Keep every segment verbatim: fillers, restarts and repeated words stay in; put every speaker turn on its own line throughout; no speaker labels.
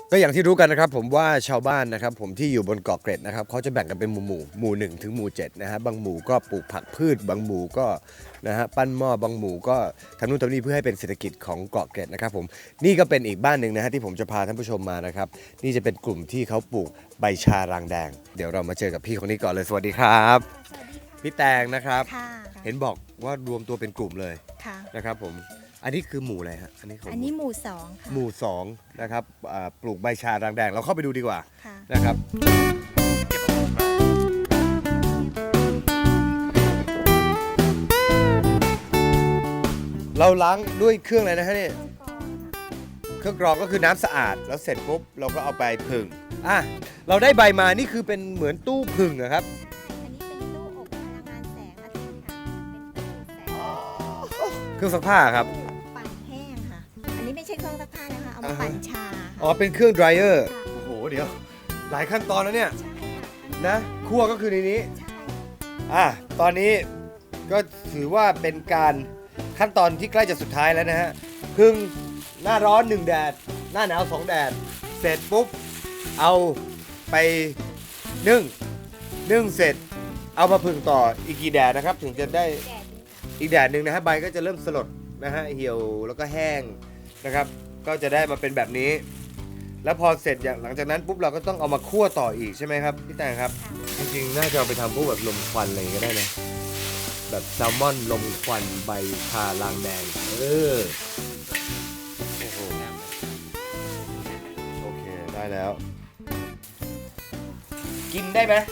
ก็อย่างที่รู้กันนะครับผมว่าชาวบ้านนะครับผมที่อยู่บนเกาะเกร็ดนะครับเขาจะแบ่งกันเป็นหมู่หมู่หมู่หนึ่งถึงหมู่เจ็ดนะฮะบางหมู่ก็ปลูกผักพืชบางหมู่ก็นะฮะปั้นหม้อบางหมู่ก็ทำนู่นทำนี่เพื่อให้เป็นเศรษฐกิจของเกาะเกร็ดนะครับผมนี่ก็เป็นอีกบ้านหนึ่งนะฮะที่ผมจะพาท่านผู้ชมมานะครับนี่จะเป็นกลุ่มที่เขาปลูกใบชารางแดงเดี๋ยวเรามาเจอกับพี่คนนี้ก่อนเลยสวัสดีครับพี่แตงนะครับเห็นบอกว่ารวมตัวเป็นกลุ่มเลยนะครับผมอันนี้คือหมู่อะไรฮะอันนี้ของ
อันนี้หมู่สองค่ะ
หมู่สองนะครับปลูกใบชารางแดงเราเข้าไปดูดีกว่านะครับเราล้างด้วยเครื่องอะไรนะฮะนี่เครื่องกรองก็คือน้ำสะอาดแล้วเสร็จปุ๊บเราก็เอาไปผึ่งอ่ะเราได้ใบมานี่คือเป็นเหมือนตู้ผึ่งนะครับ
อันนี้เป็นตู้อบพลังงานแสงอาทิตย์ค่ะเป็นตู้แสง
เครื่องซักผ้าครับ
ปั่นแห้งค่ะอันนี้ไม่ใช่เครื่องซักผ้านะคะเอามาปั่นชา
อ๋อเป็นเครื่อง dryer โอ้โหเดี๋ยวหลายขั้นตอนแล้วเนี่ยนะคั่วก็คือในนี้อ่ะตอนนี้ก็ถือว่าเป็นการขั้นตอนที่ใกล้จะสุดท้ายแล้วนะฮะพึ่งหน้าร้อนหนึ่งแดดหน้าหนาวสองแดดเสร็จปุ๊บเอาไปนึ่งนึ่งเสร็จเอามาพึ่งต่ออีกกี่แดดนะครับถึงจะได้อีกแดดหนึ่งนะฮะใบก็จะเริ่มสลดนะฮะเหี่ยวแล้วก็แห้งนะครับก็จะได้มาเป็นแบบนี้แล้วพอเสร็จอย่างหลังจากนั้นปุ๊บเราก็ต้องเอามาคั่วต่ออีกใช่ไหมครับพี่แตงครับจริงๆน่าจะเอาไปทำพวกแบบลมควันอะไรก็ได้นะแบบแซลมอนลมควันใบชาลางแดงเออโอ้โหโอเคได้แล้วกินได้ไหม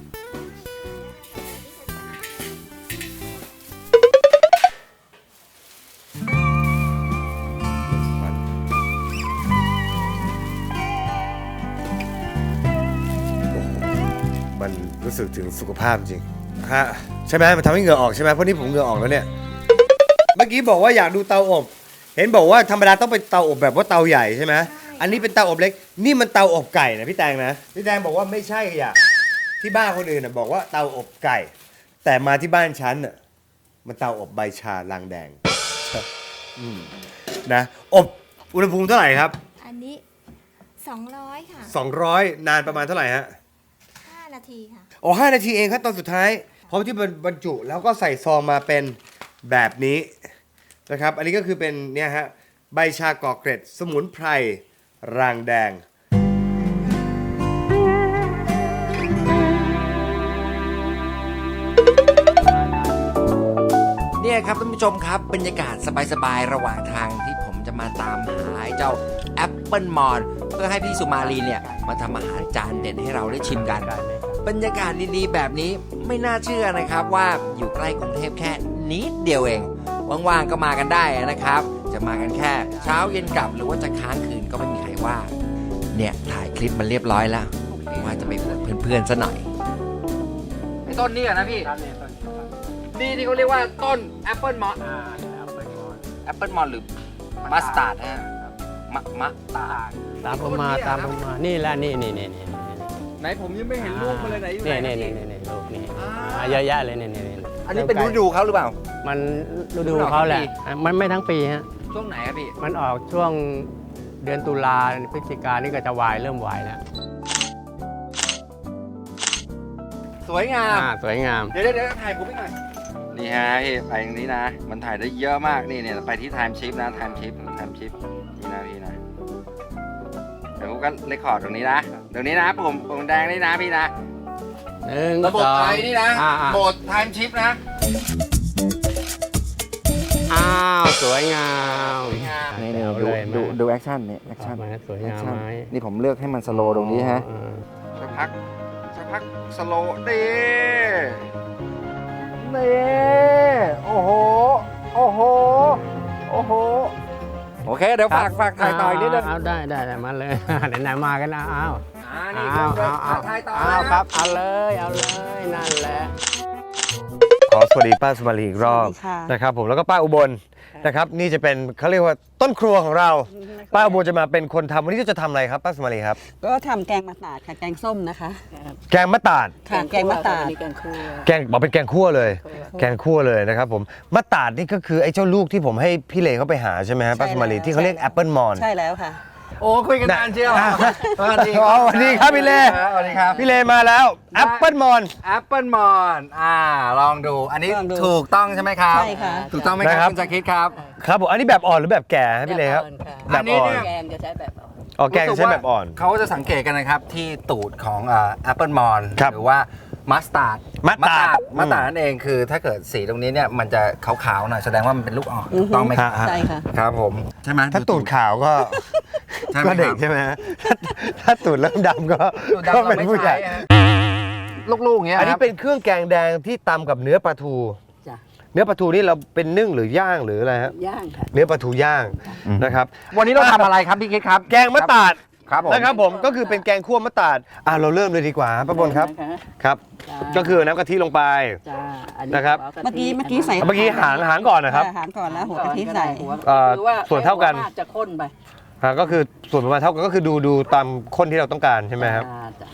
มันรู้สึกถึงสุขภาพจริงฮะใช่ไหมมันทำให้เหงื่อออกใช่ไหมเพราะนี่ผมเหงื่อออกแล้วเนี่ยเมื่อกี้บอกว่าอยากดูเตาอบเห็นบอกว่าธรรมดาต้องเป็นเตาอบแบบว่าเตาใหญ่ใช่ไหมอันนี้เป็นเตาอบเล็กนี่มันเตาอบไก่นะพี่แตงนะพี่แตงบอกว่าไม่ใช่อ่ะที่บ้านคนอื่นน่ะบอกว่าเตาอบไก่แต่มาที่บ้านฉันน่ะมันเตาอบใบชาลางแดงอืมนะอบอุณหภูมิเท่าไหร่ครับ
อันนี้สองร้อยค่ะ
สองร้อยนานประมาณเท่าไหร่ฮะ
ห้านาทีค่ะ
อ๋อห้านาทีเองครับตอนสุดท้ายพร้อมที่บรรจุแล้วก็ใส่ซองมาเป็นแบบนี้นะครับอันนี้ก็คือเป็นเนี่ยฮะใบชาเกาะเกร็ดสมุนไพรรางแดง
เนี่ยครับท่านผู้ชมครับบรรยากาศสบายๆระหว่างทางที่ผมจะมาตามหาเจ้าแอปเปิลมอนเพื่อให้พี่สุมาลีเนี่ยมาทำอาหารจานเด่นให้เราได้ชิมกันบรรยากาศดีๆแบบนี้ไม่น่าเชื่อนะครับว่าอยู่ใกล้กรุงเทพแค่นิดเดียวเองว่างๆก็มากันได้นะครับจะมากันแค่เช้าเย็นกลับหรือว่าจะค้างคืนก็ไม่มีใครว่าเนี่ยถ่ายคลิปมันเรียบร้อยแล้วว่าจะไปเปิดเพื่อนๆซะหน่อยไอ้ต้นนี่นะพี่นี่ที่เขาเรียกว่าต้นแอปเปิลมอนแอปเปิลมอนหรือมัสตาร์ดฮะมะมะตาร์ด
ตามผมมาตามผมมานี่แหละนี่นี่นี่นี่
ไหนผมยังไม่เห็นลูกมันเลยไหนอยู่ไหน
นี่นี่นี่นี่ลูกนี่เยอะแยะเลยนี่นี่
อันนี้เป็นฤดูเขาหรือเปล่า
มันฤดูเขาแหละมันไม่ทั้งปีฮะ
ช่วงไหนครับพี่
มันออกช่วงเดือนตุลาพฤศจิกานี่ก็จะวายเริ่มวายแล้ว
สวยงาม
สวยงาม
เดี๋ยวเดี๋ยวถ่ายผมไปหน่อยนี่ฮะพี่ไปตรงนี้นะมันถ่ายได้เยอะมากนี่เนี่ยไปที่ไทม์ชิปนะไทม์ชิปไทม์ชิปนี่นะพี่นะเดี๋ยวผมก็เรคคอร์ดตรงนี้นะตรงนี้นะผมผมแดงนี่นะพี่นะระบบไทยนี่นะโหมดไทม์ชิปนะ
อ้าวสวยงาม
นี่นี่ดูดูดูแอคชั่นนี่แอคชั่น
สวยงามไหม
นี่ผมเลือกให้มันสโลว์ตรงนี้ฮะสักพักสักพักสโลว์ดีนี่โอ้โหโอ้โหโอ้โหโอเคเดี๋ยวฝากฝากถ่ายต่ออีกนิดนึง
เอาได้ได้มาเลยไหนๆมากันนะเอา
เอาเอาเอา
ถ่ายต่อเอาครับเอาเลยเอาเลยนั่นแหละ
ขอสวัสดีป้าสุมาลีอีกรอบนะครับผมแล้วก็ป้าอุบลนะครับนี่จะเป็นเขาเรียกว่าต้นครัวของเราป้าอุบลจะมาเป็นคนทำวันนี้จะทำอะไรครับป้าสุมาลีครับ
ก็ทำแกงมะตาดค่ะแกงส้มนะคะ
แกงมะตาด
ค่ะแกงมะตาด
แกงคั่วแกงบอกเป็นแกงคั่วเลยแกงคั่วเลยนะครับผมมะตาดนี่ก็คือไอ้เจ้าลูกที่ผมให้พี่เลเขาไปหาใช่ไหมครับป้าสุมาลีที่เขาเรียกแอปเปิลมอน
ใช่แล้วค่ะ
โอ้คุยกันนานเชียว
อ่ะ
สวัสดี
อ๋อสวัสดีครับพี่เล
สวัสดีครับ
พี่เลมาแล้วแอปเปิลมอน
แอปเปิลมอนอ่าลองดูอันนี้
ลองดู
ถูกต้องใช่ไหมครับ
ใช่ค่ะ
ถูกต้องไหมค
นะครั
รับบ คุณจะคิดครับ
ครับผมอันนี้แบบอ่อนหรือแบบแก่ครับพี่เลครับ
อั
แบบ
นนี้
อ่อน
เนี่ย
แกงจะใช้แบบอ่อน
อ๋อแกงใช้แบบอ่อน
เขาจะสังเกตกันนะครับที่ตูดของแอปเปิลมอน
ครับ
หรือว่ามัสตาร์ด
มัสตาร์ด
มัสตาร์ดนั่นเองคือถ้าเกิดสีตรงนี้เนี่ยมันจะขาวๆหน่อยแสดงว่ามันเป็นลูกอ่อน
อือฮึ
ต้องไหมครับ
ฮะ
ใช่ค่ะ
ครับผมใช่ไหม
ถ้าตูดขาวก็
ใช่ไหม
ก็เด็ก
ครับ
ใช่ไหมฮะถ้าถ้าตูดเริ่มดำก็
ตูดดำ
ก็
เรา
เป็น
ไม่
ผู้ใหญ่
ใช้ฮะลูกๆอย่างเงี้ย
อันนี้
ครับ
เป็นเครื่องแกงแดงที่ตำกับเนื้อปลาทู
จ้ะ
เนื้อปลาทูนี่เราเป็นนึ่งหรือย่างหรืออะไรฮะ
ย่างค่ะ
เนื้อปลาทูย่างนะครับ
วันนี้เราทำอะไรครับพี่คิดครับ
แกงมะตาด
ครับผม
นะครับผมก็คือเป็นแกงคั่วมะตาดอ่ะเราเริ่มเลยดีกว่าป้าบนครับ
นะคะ
ครับ
จ้า
ก็คือน้ำกะทิลงไป
จ้าอันนี้
นะครับ
หัวกะทิเมื่อกี้เมื่อกี้ใส่
เมื่อกี้หางหางก่อนนะครับ
อาหารก่อนแล้วหัวกะทิใส่
เอ่อ
คือว่า
ส่วนเท่ากัน
หัวมจะข้นไป
อ่ะก็คือส่วนประมาณเท่ากันก็คือดูดูตามข้นที่เราต้องการใช่ไหมครับ
จ้าจ้า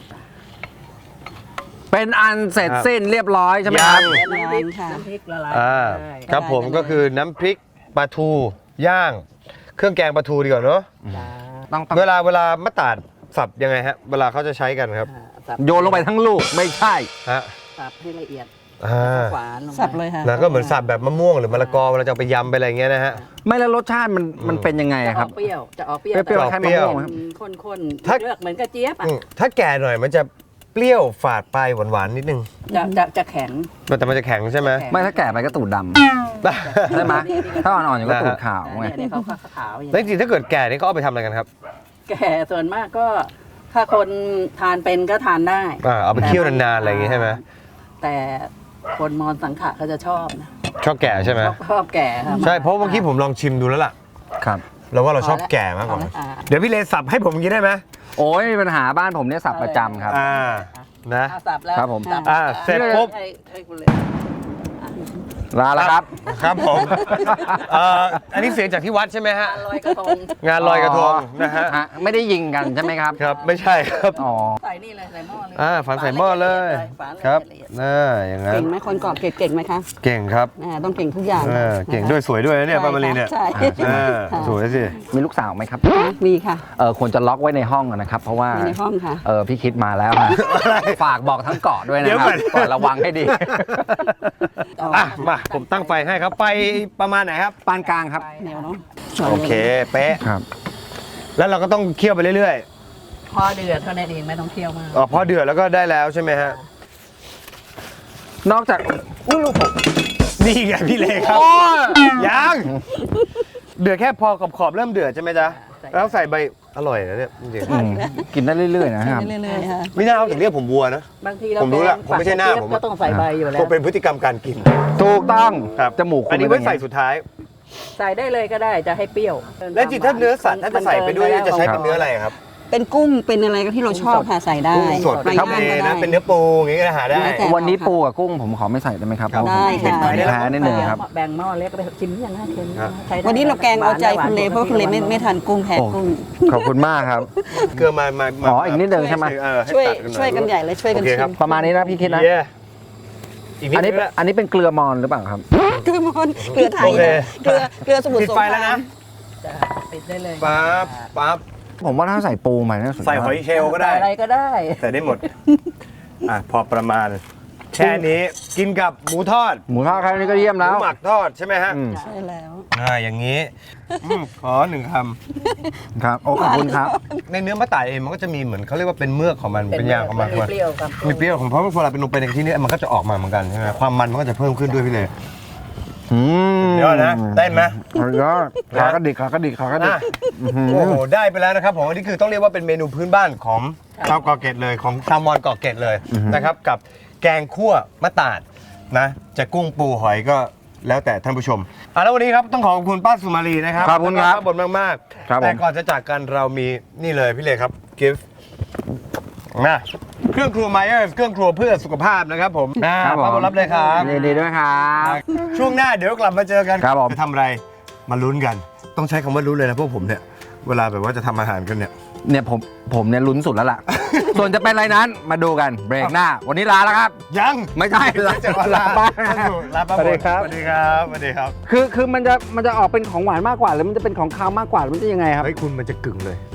เป็นอันเสร็จ
ครับ
สิ้นเรียบร้อยใช่ไหมครับ
ยัง
น้ำพริกค่ะน้ำพริกละลาย
อ่า
ได้
ครับผม
ได้
ก็คือน้ำพริกปลาทูย่าง เครื่องแกงปลาทูดีกว่าเนาะ
จ้า
ต้องต้อง
เวลาเวลามะตาดสับยังไงฮะเวลาเขาจะใช้กันครับ
อ่าสับ
โยนลงไปทั้งลูกไม่ใช่
ฮะ
สับให้ละเอียด
อ่า
หวานลงไปสับเลยค่ะ
แล้วก็เหมือนสับแบบมะม่วงหรือมะละกอเวลาจะเอาไปยำไปอะไรอย่างเงี้ยนะฮะ
ไม่แล้วรสชาติมันมันเป็นยังไง
จะ
อะ
อ
ค
อ
รับ
กเปรี้ยวจะออกเปรี้ยว
เปรี้ยวๆ
แต่
คล้าย
เปรี้ยว
มะม่วงครับ
ข้นๆ
ถ้า
เลือกเหมือนกระเจี๊ยบอ่ะ
อืมถ้าแก่หน่อยมันจะเปรี้ยวฝาดไปหวานๆนิดนึง
จะจะจะแข็ง
มันแต่มันจะแข็งใช่ไหม
แข็ง
ไม่ถ้าแก่ไปก็ตูดดำใช่ไหมถ้าอ่อนๆอย่างก็ตูดขาวไง
เนี่ยเนี่ยเขาขาวอย่าง
แล้วจ
นี้
ริงๆถ้าเกิดแก่นี่เขาเอาไปทำอะไรกันครับ
แก่ส่วนมากก็ถ้าคนทานเป็นก็ทานได้
อ่าเอาไปเคี่ยวนานๆอะไรอย่างงี้ใช่ไหม
แต่คนมอญสังขะเขาจะชอบนะ
ชอบแก่ใช่ไหม
ชอบชอบแก่ค่ะ
ใช่เพราะเมื่อกี้ผมลองชิมดูแล้วล่ะ
ครับ
เราว่าเราชอบแก่มากกว่า
อ่า
เดี๋ยวพี่เลสับให้ผมกินได้ไหม
โอ้ยมีปัญหาบ้านผมเนี่ยสับประจำครับ
อ่านะ
อ่าสับแล้ว
ครับผม
สับ
อ่าเสร็จปุ๊บ
ให้ให้คุณเลย
ลาแล้วครับ
ครับผมเอ่ออันนี้เสียงจากที่วัดใช่ไหมฮะ
ทานลอยกระทง
งานลอยกระทงนะฮะ
ไม่ได้ยิงกันใช่ไหมครับ
ครับไม่ใช่ครับ
อ๋อ
ใส่นี่เลยใส่หม้อเลย
อ่าฝันใส่หม้อเลย
ฝานละ
ครับ
เอียด
น่าอย่างนั้น
เก่งไหมคนกรอบเก่งไหมคะ
เก่งครับ
อ่าต้องเก่งทุกอย่าง
เออเก่งด้วยสวยด้วยนะเนี่ยป้ามารีเนี่ย
ใช่
อ่า
ค่ะ
สวยสิ
มีลูกสาวไหมครับ
มีค่ะ
เออควรจะล็อกไว้ในห้องอะนะครับ เพราะว่า
มีในห้องค่ะ
เออพี่คิดมาแล้วฮะฝากบอกทั้งเกาะด้วยนะครับก่อนระวังให้ดี
อ่ะมาผมตั้งไฟให้ครับไฟประมาณไหนครับ
ปานกลางครับ
แนวเนาะ
โอเคเป๊ะ
ครับ
แล้วเราก็ต้องเคี่ยวไปเรื่อย
พอเดือดเท่านั้นเองไม่ต้องเคี่ยวมาก
ๆอ๋อพอเดือดแล้วก็ได้แล้วใช่ไหมฮะ
นอกจากอุ้ยลูกผม
นี่ไงพี่เลครับยังเดือดแค่พอขอบๆเริ่มเดือดใช่ไหมจ๊ะแล้วใส่ใบอร่อยนะเนี่ยจริง
อืมกินได้เรื่อยๆนะครับ
เรื่อยๆค่ะ
ๆไม่น่าเอาถึงเรียกผมวัวนะ
บางทีเรา
ผมรู้ละผมไม่ใช่หน้าผมอะ
ก็ต้องใส่ใบอยู่แล้
คว งเป็นพฤติกรรมการกิน
ถูกต้อง
ครับ
จมูก
อันนี้
คุณ
ไว้
เป็
ใส่
ไง
สุดท้าย
ใส่ได้เลยก็ได้จะให้เปรี้ยว
แล้วจริงถ้าเนื้อสัตว์ถ้าจะใส่ไปด้วยเนี่ยจะใช้เป็นเนื้ออะไรครับ
เป็นกุ้งเป็นอะไรก็ที่เราชอบค่ะใส่ได้
กุ้งสด
ไป
ทะเล
ย่างก็
นะ
ได้
เป็นเนื้อปูอย่างงี้ก็หาได้
แล้วแต่
วันนี้ปูกับกุ้งผมขอไม่ใส่ได้ไหมครับ
ครับ
ได้ค่ะ
ผมแพ้นิดนึงครับ
แบ่งหม้อเล็กไปชิมยังน่าเค็ม
ครับ
ใช้ได้วันนี้เราแกงเอาใจคุณเลเพราะคุณเลไม่ไม่ทานกุ้งแพ้
โอ้
กุ้ง
ขอบคุณมากครับ
เกลือมามามา
อ๋ออีกนิดเดียวใช่ไหม
เออให้
ช่วย
ตัดหน่อ
ช่วยกันใหญ่เลยช่วยกัน
โอเค
ชิ
ครับ
ม
ประมาณนี้นะพี่คิดนะ
เย้อีกนิด
อันนี้
นึงละ
อันนี้เป็นเกลือมอนหรือเปล่าครับ
เกลือมอนเกลือไทย
โอเค
นะเกลือเกลือสมุน
ปิดไฟแล้วนะ
จ้ะปิดได้เลย
ปั๊บปั๊บ
ผมว่าถ้าใส่ปูมาเนี่ยสุดยอด
ใส่หอยเชลล์ก็ได้
ใส่อะไรก็ได้
ใส่ได้หมด อ่ะพอประมาณ แค่นี้กินกับหมูทอด
หมูทอดครั้งนี้ก็เยี่ยม
ห
แล้
มู
ว
หมักทอดใช่ไหมฮะ
อืม
ใช่แล้ว
อ่าอย่างนี้อืมขอหนึ่งค
ครับโอ้ขอบคุณครับ
ำในเนื้อมะตายเองมันก็จะมีเหมือนเขาเรียกว่าเป็นเมือกของมันเป็นยางของมัน
เปรี้ยวครับ
มีเปรี้ยวของเพราะเวลาเป็นลงไปในที่นี้มันก็จะออกมาเหมือนกันใช่ไหมความมันมันก็จะเพิ่มขึ้นด้วยพี่เลย
อืม
เดี๋ยวนะเต้นไหม
สุดยอดขากระดิกขากระดิกขากระดิก
อ่ะโอ้โหได้ไปแล้วนะครับผมอันนี้คือต้องเรียกว่าเป็นเมนูพื้นบ้านของชาวเกาะเกร็ดเลยของชาวมอญเกาะเกร็ดเลยนะครับกับแกงคั่วมะตาดนะจะกุ้งปูหอยก็แล้วแต่ท่านผู้ชมอ่ะแล้ววันนี้ครับต้องขอบคุณป้าสุมาลีนะครับ
ขอบคุณครับ
ขอบคุณมากๆ
ครับผม
แต่ก่อนจะจากกันเรามีนี่เลยพี่เลยครับกิฟต์นะเครื่องครัวไมเออร์เครื่องครัวเพื่อสุขภาพนะครับผมนะครับ
ผม
ป้าบนรับเลยครับ
ยินดีด้วยครับ
ช่วงหน้าเดี๋ยวกลับมาเจอกัน
ครับผม
จะทำอะไรมาลุ้นกัน ต้องใช้คำว่าลุ้นเลยนะพวกผมเนี่ยเวลาแบบว่าจะทำอาหารกันเนี่ย
เนี่ยผมผมเนี่ยลุ้นสุดแล้วล่ะ ส่วนจะเป็นอะไรนั้นมาดูกันเบรกหน้า วันนี้ลาแล้วครับ
ยัง
ไม่ใช่ลา
จะมาลา
บ้าน
ลาป้า
สวัสดีครับ
สวัสดีครับสวัสดีครับ
คือคือมันจะมันจะออกเป็นของหวานมากกว่าหรือมันจะเป็นของคาวมากกว่าหรือมันจะยังไงครับ
เฮ้ยคุณมันจะกึ่งเลย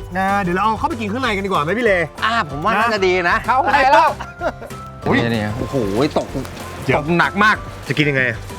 นะเดี๋ยวเราเอาเข้าไปกินข้างในกันดีกว่าไหมพี่เล
อ่าผมว่าน่าจะดีนะ
เข้าไปแล้ว
อุ๊ย
เนี่ยเนี่ยโอ้โหตก
เดี๋
ต
ยว
กหนักมาก
จะกินยังไงอะ